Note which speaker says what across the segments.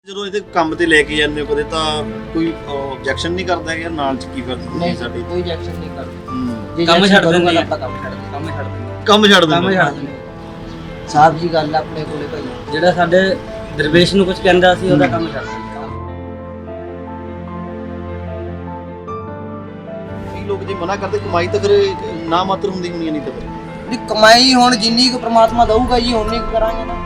Speaker 1: ਜਦੋਂ ਇਹਦੇ ਕੰਮ ਤੇ ਲੈ ਕੇ ਜਾਂਦੇ ਹੋ ਕਦੇ ਤਾਂ ਕੋਈ ਆਬਜੈਕਸ਼ਨ ਨਹੀਂ ਕਰਦਾ ਕਿ ਯਾਰ ਨਾਲ ਚ ਕੀ ਫਿਰਦੀ
Speaker 2: ਨਹੀਂ
Speaker 1: ਸਾਡੀ
Speaker 2: ਕੋਈ ਰਿਐਕਸ਼ਨ ਨਹੀਂ ਕਰਦੇ। ਜੇ
Speaker 3: ਕੰਮ ਛੱਡ ਦਿੰਦੇ
Speaker 2: ਆਪਾਂ ਕੰਮ ਛੱਡ ਦਿੰਦੇ
Speaker 1: ਕੰਮ ਛੱਡ
Speaker 3: ਕੰਮ
Speaker 1: ਦਿੰਦੇ
Speaker 3: ਛੱਡ ਦਿੰਦੇ।
Speaker 2: ਸਾਫ ਜੀ ਗੱਲ ਆ ਆਪਣੇ ਕੋਲੇ ਭਾਈ।
Speaker 3: ਜਿਹੜਾ ਸਾਡੇ ਦਰਵੇਸ਼ ਨੂੰ ਕੁਝ ਕਹਿੰਦਾ ਸੀ ਉਹਦਾ ਕੰਮ ਛੱਡ ਦਿੰਦੇ।
Speaker 1: ਕਈ ਲੋਕ ਜੇ ਮਨਾ ਕਰਦੇ ਕਮਾਈ ਤਾਂ ਫਿਰ ਨਾ ਮਾਤਰ ਹੁੰਦੀ ਹੋਣੀ ਨਹੀਂ ਤਾਂ ਫਿਰ
Speaker 2: ਵੀ ਕਮਾਈ ਹੁਣ ਜਿੰਨੀ ਕੁ ਪ੍ਰਮਾਤਮਾ ਦਊਗਾ ਜੀ ਉਨੀ ਕੁ ਕਰਾਂਗੇ ਨਾ।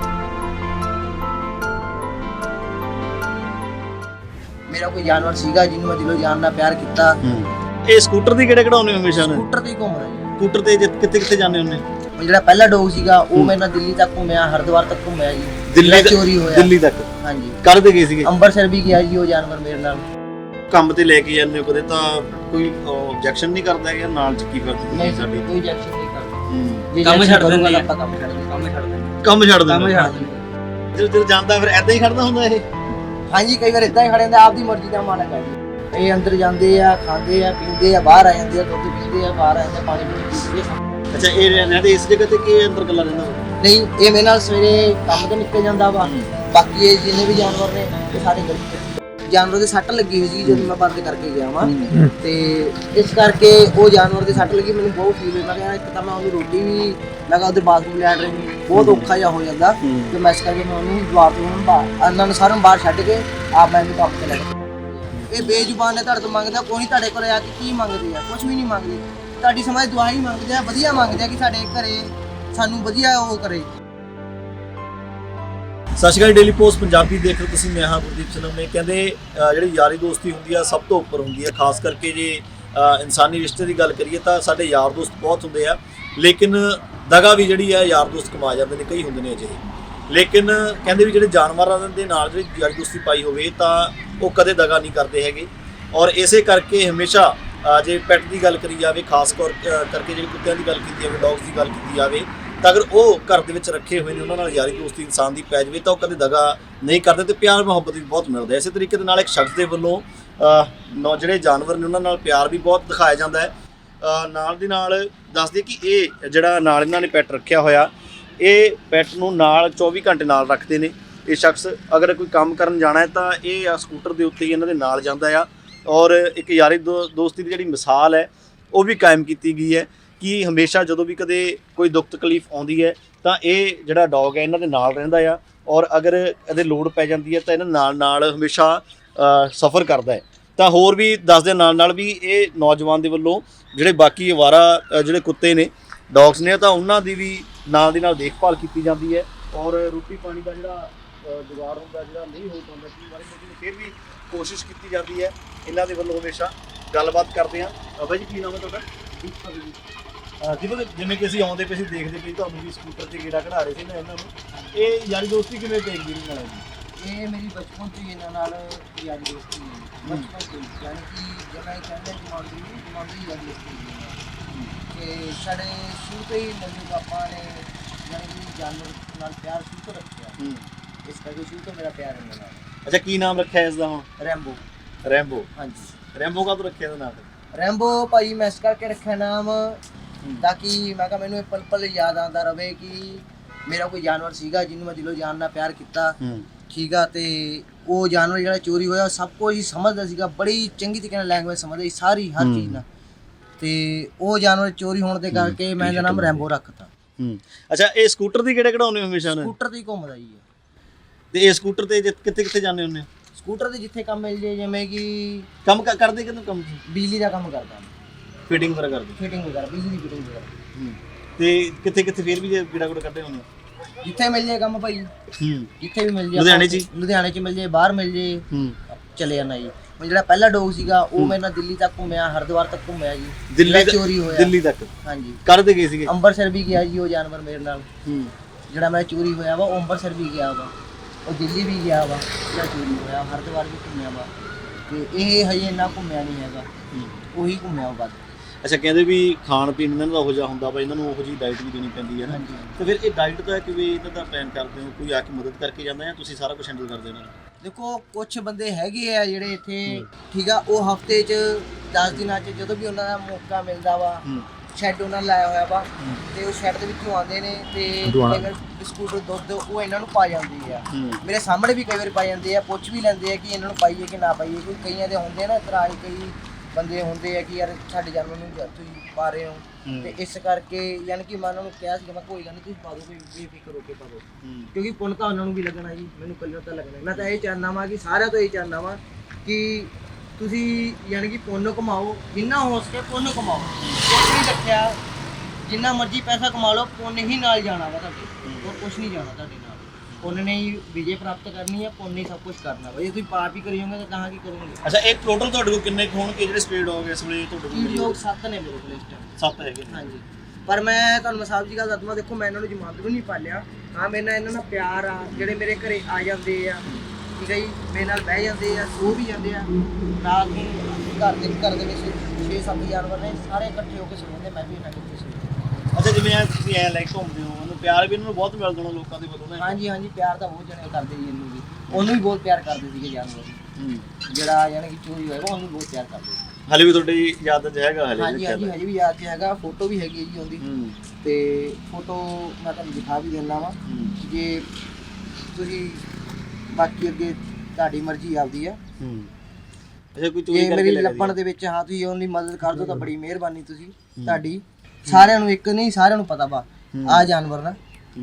Speaker 2: ਮੇਰਾ ਕੋਈ ਜਾਨਵਰ ਸੀਗਾ ਜਿਹਨੂੰ ਮੈਂ ਦਿਲੋਂ ਜਾਨ ਨਾਲ ਪਿਆਰ ਕੀਤਾ।
Speaker 1: ਇਹ ਸਕੂਟਰ ਦੀ ਕਿਹੜੇ ਕਢਾਉਣੇ ਹਮੇਸ਼ਾ ਨੇ?
Speaker 2: ਸਕੂਟਰ ਤੇ ਹੀ ਘੁੰਮ ਰਿਹਾ ਜੀ।
Speaker 1: ਸਕੂਟਰ ਤੇ ਕਿੱਥੇ ਕਿੱਥੇ ਜਾਂਦੇ ਹੁੰਦੇ?
Speaker 2: ਉਹ ਜਿਹੜਾ ਪਹਿਲਾ ਡੌਗ ਸੀਗਾ ਉਹ ਮੇਰੇ ਨਾਲ ਦਿੱਲੀ ਤੱਕ ਘੁੰਮਿਆ, ਹਰਿਦੁਆਰ ਤੱਕ ਘੁੰਮਿਆ ਜੀ।
Speaker 1: ਦਿੱਲੀ
Speaker 2: ਚੋਰੀ ਹੋਇਆ
Speaker 1: ਦਿੱਲੀ ਤੱਕ
Speaker 2: ਹਾਂਜੀ।
Speaker 1: ਕਰਦੇ ਗਏ ਸੀਗੇ?
Speaker 2: ਅੰਮ੍ਰਿਤਸਰ ਵੀ ਗਿਆ ਜੀ ਉਹ ਜਾਨਵਰ ਮੇਰੇ ਨਾਲ।
Speaker 1: ਕੰਮ ਤੇ ਲੈ ਕੇ ਜਾਂਦੇ ਹੋ ਕਦੇ ਤਾਂ ਕੋਈ ਆਬਜੈਕਸ਼ਨ ਨਹੀਂ ਕਰਦਾ ਕਿ ਯਾਰ ਨਾਲ ਚ ਕੀ ਫਿਰਦੀ
Speaker 2: ਨਹੀਂ
Speaker 1: ਸਾਡੀ?
Speaker 2: ਕੋਈ ਰਿਐਕਸ਼ਨ ਨਹੀਂ ਕਰਦੇ। ਜੇ
Speaker 3: ਕੰਮ ਛੱਡ ਦਿੰਦੇ
Speaker 2: ਆਪਾਂ ਕੰਮ ਛੱਡ ਦਿੰਦੇ।
Speaker 3: ਕੰਮ ਛੱਡ ਦਿੰਦੇ।
Speaker 1: ਕੰਮ ਛੱਡ
Speaker 3: ਕੰਮ
Speaker 1: ਦਿੰਦੇ
Speaker 3: ਛੱਡ ਦਿੰਦੇ।
Speaker 1: ਜਦੋਂ ਜਾਂਦਾ ਫਿਰ ਐਦਾਂ ਹੀ ਖੜਦਾ ਹੁੰਦਾ ਇਹ?
Speaker 2: ਹਾਂਜੀ ਕਈ ਵਾਰ ਇਦਾਂ ਹੀ ਖੜੇ ਹੁੰਦੇ, ਆਪਦੀ ਮਰਜ਼ੀ ਦਾ ਮਾਲਕ ਹੈ ਜੀ। ਇਹ ਅੰਦਰ ਜਾਂਦੇ ਆ, ਖਾਂਦੇ ਆ, ਪੀਂਦੇ ਆ, ਬਾਹਰ ਆ ਜਾਂਦੇ ਆ, ਦੁੱਧ ਪੀਂਦੇ ਆ, ਬਾਹਰ ਆ ਜਾਂਦੇ ਆ, ਪਾਣੀ ਪੀਂਦੇ ਆ।
Speaker 1: ਅੱਛਾ ਇਹ ਰਹਿੰਦੇ ਇਸ ਜਗ੍ਹਾ ਤੇ ਕਿ ਅੰਦਰ ਗੱਲਾਂ ਰਹਿੰਦਾ?
Speaker 2: ਨਹੀਂ ਇਹ ਮੇਰੇ ਨਾਲ ਸਵੇਰੇ ਕੰਮ ਤੇ ਨਿਕਲ ਜਾਂਦਾ ਵਾ। ਬਾਕੀ ਇਹ ਜਿੰਨੇ ਵੀ ਜਾਨਵਰ ਨੇ ਇਹ ਸਾਰੇ ਗਲੀ ਚ। ਜਾਨਵਰ ਦੇ ਸੱਟ ਲੱਗੀ ਹੋਈ ਸੀ ਜਦੋਂ ਮੈਂ ਬੰਦ ਕਰਕੇ ਗਿਆ ਵਾਂ ਤੇ ਇਸ ਕਰਕੇ ਉਹ ਜਾਨਵਰ ਦੇ ਸੱਟ ਲੱਗੀ ਮੈਨੂੰ ਬਹੁਤ ਫੀਲ ਹੋਇਆ। ਮੈਂ ਕਿਹਾ ਇੱਕ ਤਾਂ ਮੈਂ ਉਹਨੂੰ ਰੋਟੀ ਵੀ ਲਗਾ ਉਹਦੇ ਬਾਥਰੂਮ ਲੈਣ ਰਹੀ ਬਹੁਤ ਔਖਾ ਜਿਹਾ ਹੋ ਜਾਂਦਾ ਤੇ ਮੈਂ ਇਸ ਕਰਕੇ ਮੈਂ ਉਹਨੂੰ ਜਵਾਬ ਦੂੰਗਾ ਇਹਨਾਂ ਨੂੰ ਸਾਰਿਆਂ ਨੂੰ ਬਾਹਰ ਛੱਡ ਕੇ ਆਪ ਮੈਂ ਇਹਨੂੰ ਕੰਮ ਤੇ ਲੈ ਗਿਆ। ਇਹ ਬੇਜ਼ੁਬਾਨ ਨੇ ਤੁਹਾਡੇ ਤੋਂ ਮੰਗਦਾ ਕੋਈ ਤੁਹਾਡੇ ਕੋਲ ਆ ਕੇ ਕੀ ਮੰਗਦੇ ਆ? ਕੁਝ ਵੀ ਨਹੀਂ ਮੰਗਦੇ। ਤੁਹਾਡੀ ਸਮਝ ਦੁਆ ਹੀ ਮੰਗਦੇ ਆ, ਵਧੀਆ ਮੰਗਦੇ ਆ ਕਿ ਸਾਡੇ ਘਰੇ ਸਾਨੂੰ ਵਧੀਆ ਉਹ ਕਰੇ।
Speaker 1: ਸਤਿ ਸ਼੍ਰੀ ਅਕਾਲ। ਡੇਲੀ ਪੋਸਟ ਪੰਜਾਬੀ ਦੇਖ ਰਹੇ ਤੁਸੀਂ। ਮੈਂ ਹਾਂ ਗੁਰਦੀਪ ਸਿੰਘ ਨੇ। ਕਹਿੰਦੇ ਜਿਹੜੀ ਯਾਰੀ ਦੋਸਤੀ ਹੁੰਦੀ ਆ ਸਭ ਤੋਂ ਉੱਪਰ ਹੁੰਦੀ ਆ। ਖਾਸ ਕਰਕੇ ਜੇ ਇਨਸਾਨੀ ਰਿਸ਼ਤੇ ਦੀ ਗੱਲ ਕਰੀਏ ਤਾਂ ਸਾਡੇ ਯਾਰ ਦੋਸਤ ਬਹੁਤ ਹੁੰਦੇ ਆ, ਲੇਕਿਨ ਦਗਾ ਵੀ ਜਿਹੜੀ ਆ ਯਾਰ ਦੋਸਤ ਕਮਾ ਜਾਂਦੇ ਨੇ। ਕਈ ਹੁੰਦੇ ਨੇ ਅਜਿਹੇ, ਲੇਕਿਨ ਕਹਿੰਦੇ ਵੀ ਜਿਹੜੇ ਜਾਨਵਰਾਂ ਦੇ ਨਾਲ ਜਿਹੜੀ ਯਾਰੀ ਦੋਸਤੀ ਪਾਈ ਹੋਵੇ ਤਾਂ ਉਹ ਕਦੇ ਦਗਾ ਨਹੀਂ ਕਰਦੇ ਹੈਗੇ। ਔਰ ਇਸੇ ਕਰਕੇ ਹਮੇਸ਼ਾ ਜੇ ਪੈਟ ਦੀ ਗੱਲ ਕਰੀ ਜਾਵੇ, ਖਾਸ ਕਰਕੇ ਜਿਹੜੇ ਕੁੱਤਿਆਂ ਦੀ ਗੱਲ ਕੀਤੀ ਜਾਵੇ, ਡੌਗਸ ਦੀ ਗੱਲ ਕੀਤੀ ਜਾਵੇ, ਤਾਂ ਅਗਰ ਉਹ ਘਰ ਦੇ ਵਿੱਚ ਰੱਖੇ ਹੋਏ ਨੇ ਉਹਨਾਂ ਨਾਲ ਯਾਰੀ ਦੋਸਤੀ ਇਨਸਾਨ ਦੀ ਪੈ ਜਾਵੇ ਤਾਂ ਉਹ ਕਦੇ ਦਗਾ ਨਹੀਂ ਕਰਦੇ ਤੇ ਪਿਆਰ ਮੁਹੱਬਤ ਵੀ ਬਹੁਤ ਮਿਲਦਾ। ਇਸੇ ਤਰੀਕੇ ਦੇ ਨਾਲ ਇੱਕ ਸ਼ਖਸ ਦੇ ਵੱਲੋਂ ਜਿਹੜੇ ਜਾਨਵਰ ਨੇ ਉਹਨਾਂ ਨਾਲ ਪਿਆਰ ਵੀ ਬਹੁਤ ਦਿਖਾਇਆ ਜਾਂਦਾ ਹੈ। ਨਾਲ ਦੀ ਨਾਲ ਦੱਸ ਦਈਏ ਕਿ ਇਹ ਜਿਹੜਾ ਨਾਲ ਇਹਨਾਂ ਨੇ ਪੈਟ ਰੱਖਿਆ ਹੋਇਆ, ਇਹ ਪੈਟ ਨੂੰ ਨਾਲ 24 ਘੰਟੇ ਨਾਲ ਰੱਖਦੇ ਨੇ। ਇਹ ਸ਼ਖਸ ਅਗਰ ਕੋਈ ਕੰਮ ਕਰਨ ਜਾਣਾ ਹੈ ਤਾਂ ਇਹ ਸਕੂਟਰ ਦੇ ਉੱਤੇ ਹੀ ਇਹਨਾਂ ਦੇ ਨਾਲ ਜਾਂਦਾ ਆ। ਔਰ ਇੱਕ ਯਾਰੀ ਦੋਸਤੀ ਦੀ ਜਿਹੜੀ ਮਿਸਾਲ ਹੈ ਉਹ ਵੀ ਕਾਇਮ ਕੀਤੀ ਗਈ ਹੈ ਕਿ ਹਮੇਸ਼ਾ ਜਦੋਂ ਵੀ ਕਦੇ ਕੋਈ ਦੁੱਖ ਤਕਲੀਫ ਆਉਂਦੀ ਹੈ ਤਾਂ ਇਹ ਜਿਹੜਾ ਡੌਗ ਹੈ ਇਹਨਾਂ ਦੇ ਨਾਲ ਰਹਿੰਦਾ ਆ। ਔਰ ਅਗਰ ਇਹਦੇ ਲੋੜ ਪੈ ਜਾਂਦੀ ਹੈ ਤਾਂ ਇਹਨਾਂ ਨਾਲ ਹਮੇਸ਼ਾ ਸਫ਼ਰ ਕਰਦਾ ਹੈ। ਤਾਂ ਹੋਰ ਵੀ ਦੱਸਦੇ ਨਾਲ ਵੀ ਇਹ ਨੌਜਵਾਨ ਦੇ ਵੱਲੋਂ ਜਿਹੜੇ ਬਾਕੀ ਅਵਾਰਾ ਜਿਹੜੇ ਕੁੱਤੇ ਨੇ, ਡੌਗਸ ਨੇ, ਤਾਂ ਉਹਨਾਂ ਦੀ ਵੀ ਨਾਲ ਦੀ ਨਾਲ ਦੇਖਭਾਲ ਕੀਤੀ ਜਾਂਦੀ ਹੈ। ਔਰ ਰੋਟੀ ਪਾਣੀ ਦਾ ਜਿਹੜਾ ਜੁਗਾੜ ਹੁੰਦਾ, ਜਿਹੜਾ ਨਹੀਂ ਹੋ ਪਾਉਂਦਾ ਕਈ ਵਾਰੀ, ਲੇਕਿਨ ਫਿਰ ਵੀ ਕੋਸ਼ਿਸ਼ ਕੀਤੀ ਜਾਂਦੀ ਹੈ ਇਹਨਾਂ ਦੇ ਵੱਲੋਂ। ਹਮੇਸ਼ਾ ਗੱਲਬਾਤ ਕਰਦੇ ਹਾਂ। ਬਾਬਾ ਜੀ ਕੀ ਨਾਮ ਹੈ ਤੁਹਾਡਾ? ਜਿਵੇਂ ਕਿ ਅਸੀਂ ਆਉਂਦੇ ਪਏ ਸੀ ਦੇਖਦੇ ਪਏ ਤੁਹਾਨੂੰ ਵੀ ਸਕੂਟਰ ਤੇ ਗੇੜਾ ਕਢਾ ਰਹੇ ਸੀ ਨਾ ਇਹਨਾਂ ਨੂੰ, ਇਹ ਯਾਰੀ ਦੋਸਤੀ ਕਿਵੇਂ ਪੈ ਗਈ ਇਹਨਾਂ ਨਾਲ?
Speaker 2: ਇਹ ਮੇਰੀ ਬਚਪਨ ਤੋਂ ਹੀ ਇਹਨਾਂ ਨਾਲ ਯਾਰੀ ਦੋਸਤੀ ਹੈ। ਬਚਪਨ ਤੋਂ ਹੀ, ਯਾਨੀ ਕਿ ਜਿਹੜਾ ਇਹ ਕਹਿੰਦੇ ਜਮਾਂਦਰੀ ਯਾਰੀ ਦੋਸਤੀ ਹੈ। ਤੇ ਸਾਡੇ ਸ਼ੁਰੂ ਤੋਂ ਹੀ ਮੰਮੀ ਪਾਪਾ ਨੇ ਯਾਨੀ ਕਿ ਜਾਨਵਰ ਨਾਲ ਪਿਆਰ ਸ਼ੁਰੂ ਤੋਂ ਰੱਖਿਆ। ਇਸ ਕਰਕੇ ਸ਼ੁਰੂ ਤੋਂ ਮੇਰਾ ਪਿਆਰ ਇਹਨਾਂ ਨਾਲ।
Speaker 1: ਅੱਛਾ ਕੀ ਨਾਮ ਰੱਖਿਆ ਇਸ ਦਾ ਹੁਣ?
Speaker 2: ਰੈਂਬੋ।
Speaker 1: ਰੈਂਬੋ?
Speaker 2: ਹਾਂਜੀ।
Speaker 1: ਰੈਂਬੋ ਕਦੋਂ ਰੱਖਿਆ ਇਹਦਾ ਨਾਮ?
Speaker 2: ਰੈਂਬੋ ਭਾਈ ਮੈਂ ਇਸ ਕਰਕੇ ਰੱਖਿਆ ਨਾਮ ਤਾਂ ਕਿ ਮੈਂ ਕਿਹਾ ਮੈਨੂੰ ਇਹ ਪਲ ਪਲ ਯਾਦ ਆਉਂਦਾ ਰਵੇ ਕਿ ਮੇਰਾ ਕੋਈ ਜਾਨਵਰ ਸੀਗਾ ਜਿਹਨੂੰ ਮੈਂ ਦਿਲੋਂ ਜਾਨ ਨਾਲ ਪਿਆਰ ਕੀਤਾ। ਠੀਕ ਆ। ਤੇ ਉਹ ਜਾਨਵਰ ਜਿਹੜਾ ਚੋਰੀ ਹੋਇਆ ਸਭ ਕੁਝ ਹੀ ਸਮਝਦਾ ਸੀਗਾ, ਬੜੀ ਚੰਗੀ ਤਰੀਕੇ ਨਾਲ ਲੈਂਗੁਏਜ ਸਮਝਦਾ ਸੀ ਸਾਰੀ ਹਰ ਚੀਜ਼ ਨਾਲ। ਤੇ ਉਹ ਜਾਨਵਰ ਚੋਰੀ ਹੋਣ ਦੇ ਕਰਕੇ ਮੈਂ ਇਹਦਾ ਨਾਮ ਰੈਂਬੋ ਰੱਖਤਾ।
Speaker 1: ਅੱਛਾ ਇਹ ਸਕੂਟਰ ਦੀ ਕਿਹੜੇ ਕਢਾਉਣੇ ਹਮੇਸ਼ਾ ਨੇ?
Speaker 2: ਸਕੂਟਰ ਤੇ ਹੀ ਘੁੰਮਦਾ ਜੀ।
Speaker 1: ਤੇ ਇਹ ਸਕੂਟਰ ਤੇ ਕਿੱਥੇ ਕਿੱਥੇ ਜਾਂਦੇ ਹੁੰਦੇ?
Speaker 2: ਸਕੂਟਰ ਤੇ ਜਿੱਥੇ ਕੰਮ ਮਿਲ ਜੇ, ਜਿਵੇਂ ਕਿ
Speaker 1: ਕੰਮ ਕਰਦੇ ਕਿਦੋਂ? ਕੰਮ
Speaker 2: ਬਿਜਲੀ ਦਾ ਕੰਮ ਕਰਦਾ,
Speaker 1: ਫਿਟਿੰਗ ਵਗੈਰਾ ਕਰਦੇ?
Speaker 2: ਫਿਟਿੰਗ ਵਗੈਰਾ, ਬਿਜਲੀ ਦੀ ਫਿਟਿੰਗ ਵਗੈਰਾ।
Speaker 1: ਤੇ ਕਿੱਥੇ ਕਿੱਥੇ ਫਿਰ ਵੀ ਜੇ ਗੇੜਾ ਗੂੜਾ ਕੱਢੇ ਹੁੰਦੇ?
Speaker 2: ਜਿੱਥੇ ਮਿਲ ਜੇ ਕੰਮ ਭਾਈ, ਜਿੱਥੇ ਵੀ ਮਿਲ ਜੇ। ਲੁਧਿਆਣੇ ਚ ਮਿਲ ਜੇ, ਬਾਹਰ ਮਿਲ ਜੇ, ਚਲੇ ਜਾਣਾ ਜੀ। ਹੁਣ ਜਿਹੜਾ ਪਹਿਲਾ ਡੌਗ ਸੀਗਾ ਉਹ ਮੇਰੇ ਨਾਲ ਦਿੱਲੀ ਤੱਕ ਘੁੰਮਿਆ, ਹਰਿਦੁਆਰ ਤੱਕ ਘੁੰਮਿਆ ਜੀ। ਦਿੱਲੀ ਚੋਰੀ ਹੋਇਆ।
Speaker 1: ਦਿੱਲੀ ਤੱਕ? ਹਾਂਜੀ। ਕਰਦੇ ਗਏ ਸੀਗੇ?
Speaker 2: ਅੰਮ੍ਰਿਤਸਰ ਵੀ ਗਿਆ ਜੀ ਉਹ ਜਾਨਵਰ ਮੇਰੇ ਨਾਲ। ਜਿਹੜਾ ਮੇਰਾ ਚੋਰੀ ਹੋਇਆ ਵਾ ਉਹ ਅੰਮ੍ਰਿਤਸਰ ਵੀ ਗਿਆ ਵਾ, ਉਹ ਦਿੱਲੀ ਵੀ ਗਿਆ ਵਾ, ਜਿਹੜਾ ਚੋਰੀ ਹੋਇਆ ਹਰਿਦੁਆਰ ਵੀ ਘੁੰਮਿਆ ਵਾ। ਤੇ ਇਹ ਹਜੇ ਇੰਨਾ ਘੁੰਮਿਆ ਨਹੀਂ ਹੈਗਾ, ਉਹੀ ਘੁੰਮਿਆ ਵਾ।
Speaker 1: ਅੱਛਾ ਕਹਿੰਦੇ ਵੀ ਖਾਣ ਪੀਣ ਇਹਨਾਂ ਦਾ ਉਹੋ ਜਿਹਾ ਹੁੰਦਾ ਵਾ, ਇਹਨਾਂ ਨੂੰ ਉਹੋ ਜਿਹੀ ਡਾਈਟ ਵੀ ਦੇਣੀ ਪੈਂਦੀ ਹੈ ਨਾ। ਤੇ ਫਿਰ ਇਹ ਡਾਈਟ ਦਾ ਕਿਵੇਂ ਇਹਨਾਂ ਦਾ ਪਲਾਨ ਕਰਦੇ ਹੋ? ਕੋਈ ਆ ਕੇ ਮਦਦ ਕਰਕੇ ਜਾਂਦਾ ਜਾਂ ਤੁਸੀਂ ਸਾਰਾ ਕੁਝ ਹੈਂਡਲ ਕਰਦੇ ਹੋ ਇਹਨਾਂ ਨੂੰ?
Speaker 2: ਦੇਖੋ ਕੁਛ ਬੰਦੇ ਹੈਗੇ ਆ ਜਿਹੜੇ ਇੱਥੇ, ਠੀਕ ਆ, ਉਹ ਹਫਤੇ 'ਚ 10 ਦਿਨਾਂ 'ਚ ਜਦੋਂ ਵੀ ਉਹਨਾਂ ਦਾ ਮੌਕਾ ਮਿਲਦਾ ਵਾ, ਸ਼ੈੱਡ ਉਹਨਾਂ ਲਾਇਆ ਹੋਇਆ ਵਾ ਤੇ ਉਹ ਸ਼ੈੱਡ ਦੇ ਵਿੱਚੋਂ ਆਉਂਦੇ ਨੇ ਤੇ ਬਿਸਕੁਟ ਦੁੱਧ ਉਹ ਇਹਨਾਂ ਨੂੰ ਪਾ ਜਾਂਦੀ ਆ। ਮੇਰੇ ਸਾਹਮਣੇ ਵੀ ਕਈ ਵਾਰ ਪਾ ਜਾਂਦੇ ਆ, ਪੁੱਛ ਵੀ ਲੈਂਦੇ ਆ ਕਿ ਇਹਨਾਂ ਨੂੰ ਪਾਈਏ ਕਿ ਨਾ ਪਾਈਏ, ਕੋਈ ਕਈਆਂ ਦੇ ਹੁੰਦੇ ਨਾ ਇਤਰਾਜ਼, ਕਈ ਬੰਦੇ ਹੁੰਦੇ ਆ ਕਿ ਯਾਰ ਸਾਡੇ ਜਾਨਵਰ ਨੂੰ ਤੁਸੀਂ ਪਾ ਰਹੇ ਹੋ, ਤੇ ਇਸ ਕਰਕੇ ਯਾਨੀ ਕਿ ਮੈਂ ਉਹਨਾਂ ਨੂੰ ਕਿਹਾ ਸੀ ਕਿ ਮੈਂ ਕੋਈ ਗੱਲ ਨਹੀਂ ਤੁਸੀਂ ਪਾ ਦਿਓ, ਕੋਈ ਬੇਫਿਕਰ ਹੋ ਕੇ ਪਾ ਦਿਓ, ਕਿਉਂਕਿ ਪੁੰਨ ਤਾਂ ਉਹਨਾਂ ਨੂੰ ਵੀ ਲੱਗਣਾ ਜੀ, ਮੈਨੂੰ ਕੱਲਿਆਂ ਤਾਂ ਲੱਗਣਾ। ਮੈਂ ਤਾਂ ਇਹ ਚਾਹੁੰਦਾ ਵਾਂ ਕਿ ਸਾਰਿਆਂ ਤੋਂ ਇਹ ਚਾਹੁੰਦਾ ਵਾਂ ਕਿ ਤੁਸੀਂ ਯਾਨੀ ਕਿ ਪੁੰਨ ਕਮਾਓ, ਜਿੰਨਾ ਹੋ ਸਕੇ ਪੁੰਨ ਕਮਾਓ, ਕੁਛ ਨਹੀਂ ਰੱਖਿਆ, ਜਿੰਨਾ ਮਰਜ਼ੀ ਪੈਸਾ ਕਮਾ ਲਓ, ਪੁੰਨ ਹੀ ਨਾਲ ਜਾਣਾ ਵਾ ਤੁਹਾਡੇ, ਹੋਰ ਕੁਛ ਨਹੀਂ ਜਾਣਾ ਤੁਹਾਡੇ ਨਾਲ। ਪੁੰਨ ਨੇ ਹੀ ਵਿਜੇ ਪ੍ਰਾਪਤ ਕਰਨੀ ਹੈ, ਪੁੰਨ ਹੀ ਸਭ ਕੁਝ ਕਰਨਾ ਵਾ। ਜੇ ਤੁਸੀਂ ਪਾਪ ਹੀ ਕਰੀ ਜਾਓਗੇ ਤਾਂ ਕਹਾਂ ਕੀ ਕਰੋਗੇ।
Speaker 1: ਅੱਛਾ, ਇਹ ਟੋਟਲ ਤੁਹਾਡੇ ਕੋਲ ਕਿੰਨੇ ਹੋਣਗੇ ਜਿਹੜੇ ਸਟ੍ਰੇ ਡੌਗ ਇਸ ਵੇਲੇ ਤੁਹਾਡੇ ਕੋਲ?
Speaker 2: ਲੋਕ 7 ਨੇ ਮੇਰੇ ਕੋਲ ਇਸ ਟਾਈਮ।
Speaker 1: 7 ਹੈਗੇ ਨੇ।
Speaker 2: ਹਾਂਜੀ, ਪਰ ਮੈਂ ਤੁਹਾਨੂੰ ਸਾਹਿਬ ਜੀ ਗੱਲ ਦੱਸਦਾ, ਦੇਖੋ ਮੈਂ ਇਹਨਾਂ ਨੂੰ ਜਮਾਂਦਰੂ ਨਹੀਂ ਪਾਲਿਆ। ਹਾਂ, ਮੇਰੇ ਨਾਲ ਇਹਨਾਂ ਨਾਲ ਪਿਆਰ ਆ, ਜਿਹੜੇ ਮੇਰੇ ਘਰੇ ਆ ਜਾਂਦੇ ਆ, ਠੀਕ ਹੈ ਜੀ, ਮੇਰੇ ਨਾਲ ਬਹਿ ਜਾਂਦੇ ਆ, ਸੋ ਵੀ ਜਾਂਦੇ ਆ। ਰਾਤ ਨੂੰ ਘਰ ਦੇ ਵਿੱਚ 6-7 ਜਾਨਵਰ ਨੇ, ਸਾਰੇ ਇਕੱਠੇ ਹੋ ਕੇ ਸੌਂਦੇ, ਮੈਂ ਵੀ ਇਹਨਾਂ ਦੇ ਵਿੱਚ ਸੌਂਦਾ।
Speaker 1: ਅੱਛਾ, ਜਿਵੇਂ ਤੁਸੀਂ ਐ ਲਾਈਕ ਘੁੰਮਦੇ ਹੋ, ਉਹਨੂੰ ਪਿਆਰ ਵੀ ਇਹਨਾਂ ਨੂੰ ਬਹੁਤ ਮਿਲਦਾ ਹੋਣਾ ਲੋਕਾਂ ਦੇ ਵੱਲੋਂ ਨਾ?
Speaker 2: ਹਾਂਜੀ ਹਾਂਜੀ, ਪਿਆਰ ਤਾਂ ਬਹੁਤ ਜਣੇ ਕਰਦੇ ਜੀ ਇਹਨੂੰ ਵੀ, ਉਹਨੂੰ ਵੀ ਬਹੁਤ ਪਿਆਰ ਕਰਦੇ ਸੀਗੇ ਜਾਨਵਰ ਨੂੰ, ਜਿਹੜਾ ਯਾਨੀ ਕਿ ਚੋਰੀ ਹੋਏਗਾ ਉਹਨੂੰ ਬਹੁਤ ਪਿਆਰ ਕਰਦੇ ਸੀ।
Speaker 1: ਹਲੇ ਵੀ ਤੁਹਾਡੀ ਯਾਦ 'ਚ ਹੈਗਾ? ਹਲੇ
Speaker 2: ਹਾਂਜੀ ਹਾਂਜੀ, ਹਜੇ ਵੀ ਯਾਦ 'ਚ ਹੈਗਾ, ਫੋਟੋ ਵੀ ਹੈਗੀ ਹੈ ਜੀ ਉਹਦੀ, ਤੇ ਫੋਟੋ ਮੈਂ ਤੁਹਾਨੂੰ ਦਿਖਾ ਵੀ ਦਿੰਦਾ ਵਾਂ, ਜੇ ਤੁਸੀਂ ਬਾਕੀ ਅੱਗੇ ਤੁਹਾਡੀ ਮਰਜ਼ੀ ਆਪਦੀ ਆ।
Speaker 1: ਅੱਛਾ, ਕੋਈ ਚੋਰੀ
Speaker 2: ਜੇ
Speaker 1: ਕਰਕੇ
Speaker 2: ਮੇਰੀ
Speaker 1: ਲੈ
Speaker 2: ਲੱਭਣ ਦੇ ਵਿੱਚ ਹਾਂ ਤੁਸੀਂ ਉਹਦੀ ਮਦਦ ਕਰ ਦਿਓ ਤਾਂ ਬੜੀ ਮਿਹਰਬਾਨੀ ਤੁਸੀਂ ਤੁਹਾਡੀ। ਸਾਰਿਆਂ ਨੂੰ ਇੱਕ ਨਹੀਂ, ਸਾਰਿਆਂ ਨੂੰ ਪਤਾ ਵਾ ਆ ਜਾਨਵਰ ਨਾ।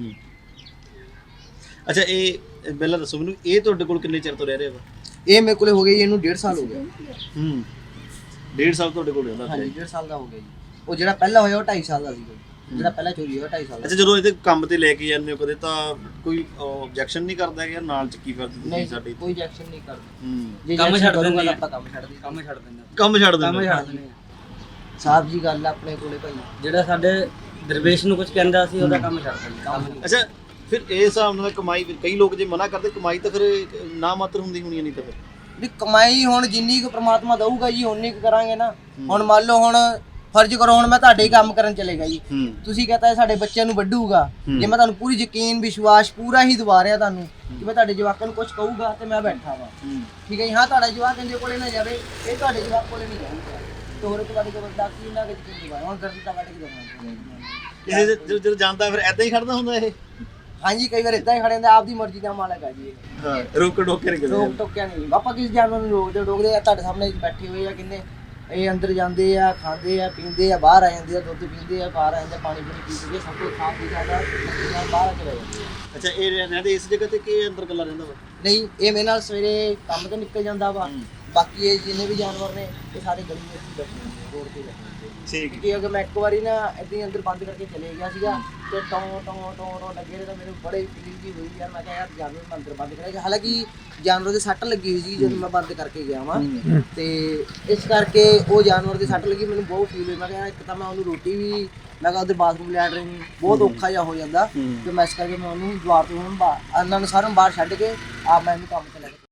Speaker 1: ਅੱਛਾ, ਇਹ ਪਹਿਲਾਂ ਦੱਸੋ ਮੈਨੂੰ, ਇਹ ਤੁਹਾਡੇ ਕੋਲ ਕਿੰਨੇ ਚਿਰ ਤੋਂ ਰਹਿ ਰਿਹਾ ਵਾ?
Speaker 2: ਇਹ ਮੇਰੇ ਕੋਲੇ ਹੋ ਗਿਆ ਜੀ, ਇਹਨੂੰ 1.5 ਸਾਲ ਹੋ ਗਿਆ।
Speaker 1: 1.5 ਸਾਲ ਤੁਹਾਡੇ ਕੋਲ ਰਹਿੰਦਾ?
Speaker 2: ਹਾਂਜੀ, 1.5 ਸਾਲ ਦਾ ਹੋ ਗਿਆ ਜੀ। ਉਹ ਜਿਹੜਾ ਪਹਿਲਾਂ ਹੋਇਆ ਉਹ 2.5 ਸਾਲ ਦਾ ਸੀ, ਜਿਹੜਾ ਪਹਿਲਾਂ ਚੋਰੀ ਹੋਇਆ 2.5 ਸਾਲ ਦਾ।
Speaker 1: ਅੱਛਾ, ਜਦੋਂ ਇਹਦੇ ਕੰਮ ਤੇ ਲੈ ਕੇ ਜਾਂਦੇ ਹੋ ਕਦੇ ਤਾਂ ਕੋਈ ਆਬਜੈਕਸ਼ਨ ਨਹੀਂ ਕਰਦਾ ਕਿ ਯਾਰ ਨਾਲ ਚੱਕੀ ਫਿਰਦੀ ਤੁਸੀਂ ਸਾਡੀ?
Speaker 2: ਕੋਈ ਐਕਸ਼ਨ ਨਹੀਂ ਕਰਦਾ। ਜੇ
Speaker 3: ਕੰਮ ਛੱਡ ਦਿੰਦੇ
Speaker 2: ਆਪਾਂ ਕੰਮ ਛੱਡ ਦਿੰਦੇ।
Speaker 3: ਕੰਮ ਛੱਡ ਦਿੰਦੇ।
Speaker 1: ਕੰਮ ਛੱਡ ਦਿੰਦੇ?
Speaker 3: ਕੰਮ ਛੱਡ ਦਿੰਦੇ।
Speaker 2: ਸਾਹਿਬ ਜੀ ਗੱਲ ਆ ਆਪਣੇ ਕੋਲੇ ਭਾਈ,
Speaker 3: ਜਿਹੜਾ ਸਾਡੇ ਦਰਵੇਸ਼ ਨੂੰ ਕੁਝ ਕਹਿੰਦਾ ਸੀ ਉਹਦਾ ਕੰਮ ਛੱਡ ਦਿੰਦੇ।
Speaker 1: ਅੱਛਾ, ਫਿਰ ਇਹ ਹਿਸਾਬ ਨਾਲ ਕਮਾਈ, ਕਈ ਲੋਕ ਜੇ ਮਨਾ ਕਰਦੇ ਕਮਾਈ ਤਾਂ ਫਿਰ ਨਾ ਮਾਤਰ ਹੁੰਦੀ ਹੋਣੀ, ਨਹੀਂ ਤਾਂ ਫਿਰ
Speaker 2: ਵੀ ਕਮਾਈ ਹੁਣ ਜਿੰਨੀ ਕੁ ਪ੍ਰਮਾਤਮਾ ਦਊਗਾ ਜੀ ਓਨੀ ਕੁ ਕਰਾਂਗੇ ਨਾ। ਹੁਣ ਮੰਨ ਲਓ, ਹੁਣ ਫਰਜ਼ ਕਰੋ ਹੁਣ ਮੈਂ ਤੁਹਾਡੇ ਹੀ ਕੰਮ ਕਰਨ ਚਲੇਗਾ ਜੀ, ਤੁਸੀਂ ਕਹਤਾ ਸਾਡੇ ਬੱਚਿਆਂ ਨੂੰ ਵੱਢੂਗਾ, ਜੇ ਮੈਂ ਤੁਹਾਨੂੰ ਪੂਰੀ ਯਕੀਨ ਵਿਸ਼ਵਾਸ ਪੂਰਾ ਹੀ ਦਵਾ ਰਿਹਾ ਤੁਹਾਨੂੰ ਕਿ ਮੈਂ ਤੁਹਾਡੇ ਜਵਾਕਾਂ ਨੂੰ ਕੁਝ ਕਹੂਗਾ ਤੇ ਮੈਂ ਬੈਠਾ ਵਾ, ਠੀਕ ਹੈ ਜੀ। ਹਾਂ, ਤੁਹਾਡਾ ਜਵਾਕ ਇਹਦੇ ਕੋਲੇ ਨਾ ਜਾਵੇ, ਇਹ ਤੁਹਾਡੇ ਜਵਾਕ ਕੋਲੇ ਨਹੀਂ ਜਾਊਗਾ, ਤੇ ਹੋਰ ਤੁਹਾਡੇ ਕੋਲ ਵੱਡਾ ਕੀ ਨਾ ਕਿ ਯਕੀਨ ਦਵਾਇਆ। ਹੁਣ ਦਰਦ ਤਾਂ ਵੱਢ ਕੇ ਦੇਣਾ
Speaker 1: ਜਦੋਂ ਜਾਂਦਾ ਫਿਰ ਐਦਾਂ ਹੀ ਖੜਦਾ ਹੁੰਦਾ ਇਹ?
Speaker 2: ਹਾਂਜੀ, ਕਈ ਵਾਰ ਇਦਾਂ ਹੀ ਖੜੇ ਹੁੰਦੇ, ਆਪਦੀ ਮਰਜ਼ੀ ਦਾ ਮਾਲਕ ਆ ਜੀ ਇਹ।
Speaker 1: ਹਾਂ, ਰੋਕ ਟੋਕੇ ਨਹੀਂ ਕਰਦੇ?
Speaker 2: ਰੋਕ ਟੋਕਿਆ ਨਹੀਂ, ਆਪਾਂ ਕਿਸ ਜਾਨਵਰ ਨੂੰ ਰੋਕਦੇ ਆ। ਤੁਹਾਡੇ ਸਾਹਮਣੇ ਬੈਠੇ ਹੋਏ ਆ ਕਿੰਨੇ, ਇਹ ਅੰਦਰ ਜਾਂਦੇ ਆ, ਖਾਂਦੇ ਆ, ਪੀਂਦੇ ਆ, ਬਾਹਰ ਆ ਜਾਂਦੇ ਆ, ਦੁੱਧ ਪੀਂਦੇ ਆ, ਬਾਹਰ ਆ ਜਾਂਦੇ, ਪਾਣੀ ਪੂਣੀ ਪੀ ਕੇ ਸਭ ਕੁਝ ਖਾ ਪੀ ਜਾਂਦਾ, ਬਾਹਰ ਚਲੇ ਜਾਂਦੇ ਆ।
Speaker 1: ਅੱਛਾ, ਇਹ ਰਹਿੰਦੇ ਇਸ ਜਗ੍ਹਾ ਤੇ ਕਿ ਅੰਦਰ ਇਕੱਲਾ ਰਹਿੰਦਾ ਵਾ?
Speaker 2: ਨਹੀਂ, ਇਹ ਮੇਰੇ ਨਾਲ ਸਵੇਰੇ ਕੰਮ ਤੇ ਨਿਕਲ ਜਾਂਦਾ ਵਾ, ਬਾਕੀ ਇਹ ਜਿੰਨੇ ਵੀ ਜਾਨਵਰ ਨੇ ਇਹ ਸਾਰੇ ਗਲੀ ਵਿੱਚ ਹੀ ਬੈਠੇ ਹੁੰਦੇ, ਰੋਡ ਤੇ ਬੈਠੇ ਹੁੰਦੇ।
Speaker 1: ਠੀਕ।
Speaker 2: ਕਿ ਅਗਰ ਮੈਂ ਇੱਕ ਵਾਰੀ ਨਾ ਏਦਾਂ ਹੀ ਅੰਦਰ ਬੰਦ ਕਰਕੇ ਚਲੇ ਗਿਆ ਸੀਗਾ ਤੇ ਟੋਂ ਲੱਗੇ ਰਹੇ ਤਾਂ ਮੈਨੂੰ ਬੜੇ ਫੀਲਿੰਗ ਜੀ ਹੋਈ ਯਾਰ। ਮੈਂ ਕਿਹਾ ਯਾਰ ਜਾਨਵਰ ਮੈਂ ਅੰਦਰ ਬੰਦ ਕਰਿਆ, ਹਾਲਾਂਕਿ ਜਾਨਵਰ ਦੇ ਸੱਟ ਲੱਗੀ ਹੋਈ ਸੀ ਜਦੋਂ ਮੈਂ ਬੰਦ ਕਰਕੇ ਗਿਆ ਵਾਂ, ਤੇ ਇਸ ਕਰਕੇ ਉਹ ਜਾਨਵਰ ਦੇ ਸੱਟ ਲੱਗੀ, ਮੈਨੂੰ ਬਹੁਤ ਫੀਲ ਹੋਈ। ਮੈਂ ਕਿਹਾ ਇੱਕ ਤਾਂ ਮੈਂ ਉਹਨੂੰ ਰੋਟੀ ਵੀ, ਮੈਂ ਕਿਹਾ ਉਹਦੇ ਬਾਥਰੂਮ ਲੈਣ ਰਹੀ ਬਹੁਤ ਔਖਾ ਜਿਹਾ ਹੋ ਜਾਂਦਾ, ਤੇ ਮੈਂ ਇਸ ਕਰਕੇ ਮੈਂ ਉਹਨੂੰ ਦੁਆਰ ਤੋਂ ਉਹਨਾਂ ਨੂੰ ਸਾਰਿਆਂ ਨੂੰ ਬਾਹਰ ਛੱਡ ਕੇ ਆਪ ਮੈਂ ਇਹਨੂੰ ਕੰਮ ਤੇ ਲੈ